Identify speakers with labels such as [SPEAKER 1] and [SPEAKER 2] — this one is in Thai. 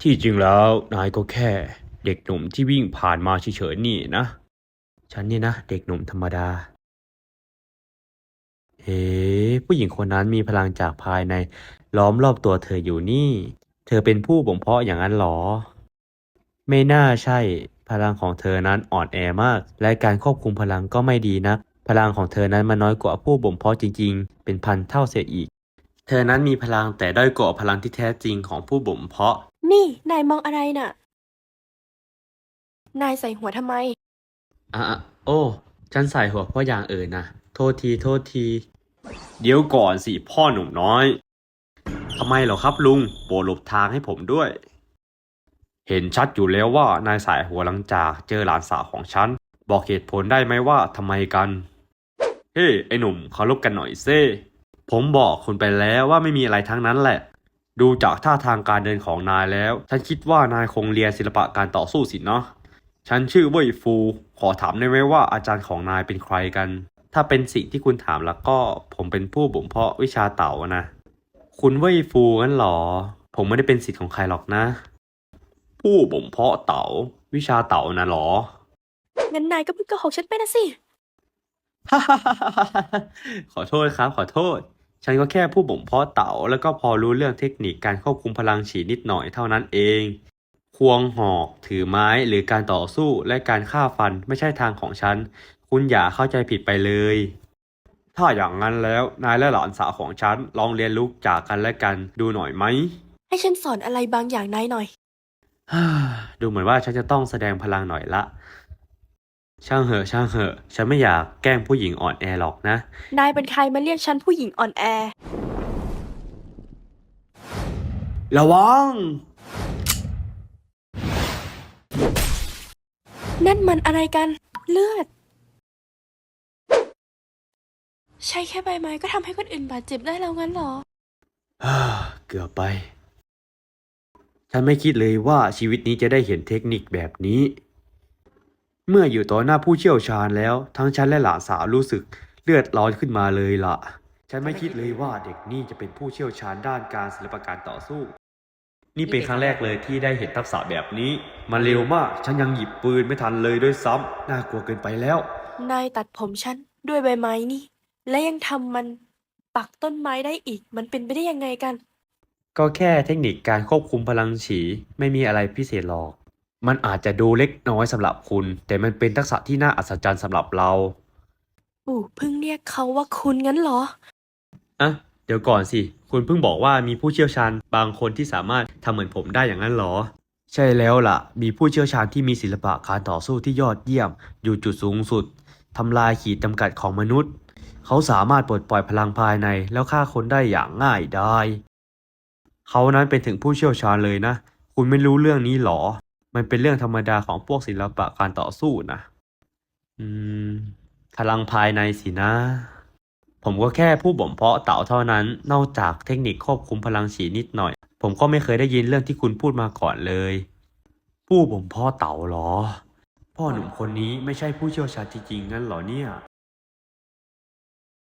[SPEAKER 1] ที่จริงแล้วนายก็แค่เด็กหนุ่มที่วิ่งผ่านมาเฉยๆนี่นะฉันนี่นะเด็กหนุ่มธรรมดาเฮ้ผู้หญิงคนนั้นมีพลังจากภายในล้อมรอบตัวเธออยู่นี่เธอเป็นผู้บ่มเพาะอย่างนั้นหรอไม่น่าใช่พลังของเธอนั้นอ่อนแอมากและการควบคุมพลังก็ไม่ดีนักพลังของเธอนั้นมันน้อยกว่าผู้บ่มเพาะจริงๆเป็นพันเท่าเสียอีกเธอนั้นมีพลังแต่ด้อยกว่าพลังที่แท้จริงของผู้บ่มเพาะ
[SPEAKER 2] นี่นายมองอะไรน่ะนายใส่หัวทำไม
[SPEAKER 1] อ่ะโอ้ฉันใส่หัวเพราะอย่างอื่นนะโทษทีโทษทีเดี๋ยวก่อนสิพ่อหนุ่มน้อยทำไมเหรอครับลุงโปรดหลบทางให้ผมด้วยเห็นชัดอยู่แล้วว่านายสายหัวหลังจากเจอหลานสาวของฉันบอกเหตุผลได้ไหมว่าทำไมกันเฮ้ไอ้หนุ่มเคารพกันหน่อยเซ่ผมบอกคุณไปแล้วว่าไม่มีอะไรทั้งนั้นแหละดูจากท่าทางการเดินของนายแล้วฉันคิดว่านายคงเรียนศิลปะการต่อสู้สินะฉันชื่อเว่ยฟูขอถามได้ไหมว่าอาจารย์ของนายเป็นใครกันถ้าเป็นสิ่งที่คุณถามแล้วก็ผมเป็นผู้บ่มเพาะวิชาเต๋านะคุณเว่ยฟูงั้นหรอผมไม่ได้เป็นศิษย์ของใครหรอกนะผู้บ่มเพาะเต๋าวิชาเต๋านะหรอ
[SPEAKER 2] งั้นนายก็เพิ่งโกหกฉันไปนะสิ
[SPEAKER 1] ขอโทษครับขอโทษฉันก็แค่ผู้บ่มเพาะเต๋าแล้วก็พอรู้เรื่องเทคนิคการควบคุมพลังฉีดนิดหน่อยเท่านั้นเองควงหอกถือไม้หรือการต่อสู้และการฆ่าฟันไม่ใช่ทางของฉันคุณอย่าเข้าใจผิดไปเลยถ้าอย่างนั้นแล้วนายและหลานสาวของฉันลองเรียนรู้จากกันและกันดูหน่อยไหม
[SPEAKER 2] ให้ฉันสอนอะไรบางอย่างนายหน่อย
[SPEAKER 1] ดูเหมือนว่าฉันจะต้องแสดงพลังหน่อยละช่างเหอะช่างเหอะฉันไม่อยากแกล้งผู้หญิงอ่อนแอหรอกนะ
[SPEAKER 2] นายเป็นใครมาเรียกฉันผู้หญิงอ่อนแอ
[SPEAKER 1] ระวัง
[SPEAKER 2] นั่นมันอะไรกัน เลือด ใช่แค่ใบไม้ก็ทำให้คนอื่นบาดเจ็บได้แล้วงั้นเหรอ
[SPEAKER 1] เกือบไป ฉันไม่คิดเลยว่าชีวิตนี้จะได้เห็นเทคนิคแบบนี้ เมื่ออยู่ต่อหน้าผู้เชี่ยวชาญแล้วทั้งฉันและหลานสาวรู้สึกเลือดร้อนขึ้นมาเลยล่ะ ฉันไม่คิดเลยว่าเด็กนี่จะเป็นผู้เชี่ยวชาญด้านการศิลปะการต่อสู้ นี่เป็นครั้งแรกเลยที่ได้เห็นทักษะแบบนี้ มันเร็วมาก ฉันยังหยิบปืนไม่ทันเลยด้วยซ้ำน่ากลัวเกินไปแล้ว
[SPEAKER 2] นายตัดผมฉันด้วยใบไม้นี่ และยังทำมันปักต้นไม้ได้อีก มันเป็นไปได้ยังไงกัน
[SPEAKER 1] ก็แค่เทคนิคการควบคุมพลังฉีไม่มีอะไรพิเศษหรอก มันอาจจะดูเล็กน้อยสำหรับคุณ แต่มันเป็นทักษะที่น่าอัศจรรย์สำหรับเรา
[SPEAKER 2] ปู่เพิ่งเรียกเขาว่าคุณงั้นเหรอ
[SPEAKER 1] อ่ะเดี๋ยวก่อนสิ คุณเพิ่งบอกว่ามีผู้เชี่ยวชาญบางคนที่สามารถทำเหมือนผมได้อย่างนั้นเหรอ ใช่แล้วล่ะ มีผู้เชี่ยวชาญที่มีศิลปะการต่อสู้ที่ยอดเยี่ยมอยู่จุดสูงสุดทำลายขีดจำกัดของมนุษย์ เขาสามารถปลดปล่อยพลังภายในแล้วฆ่าคนได้อย่างง่ายดาย เขานั้นเป็นถึงผู้เชี่ยวชาญเลยนะ คุณไม่รู้เรื่องนี้หรอ มันเป็นเรื่องธรรมดาของพวกศิลปะการต่อสู้นะอืมพลังภายในสินะ ผมก็แค่ผู้บ่มเพาะเต่าเท่านั้น นอกจากเทคนิคควบคุมพลังฉีนิดหน่อย ผมก็ไม่เคยได้ยินเรื่องที่คุณพูดมาก่อนเลย ผู้บ่มเพาะเต่าหรอ พ่อหนุ่มคนนี้ไม่ใช่ผู้เชี่ยวชาญจริงๆงั้นเหรอเนี่ย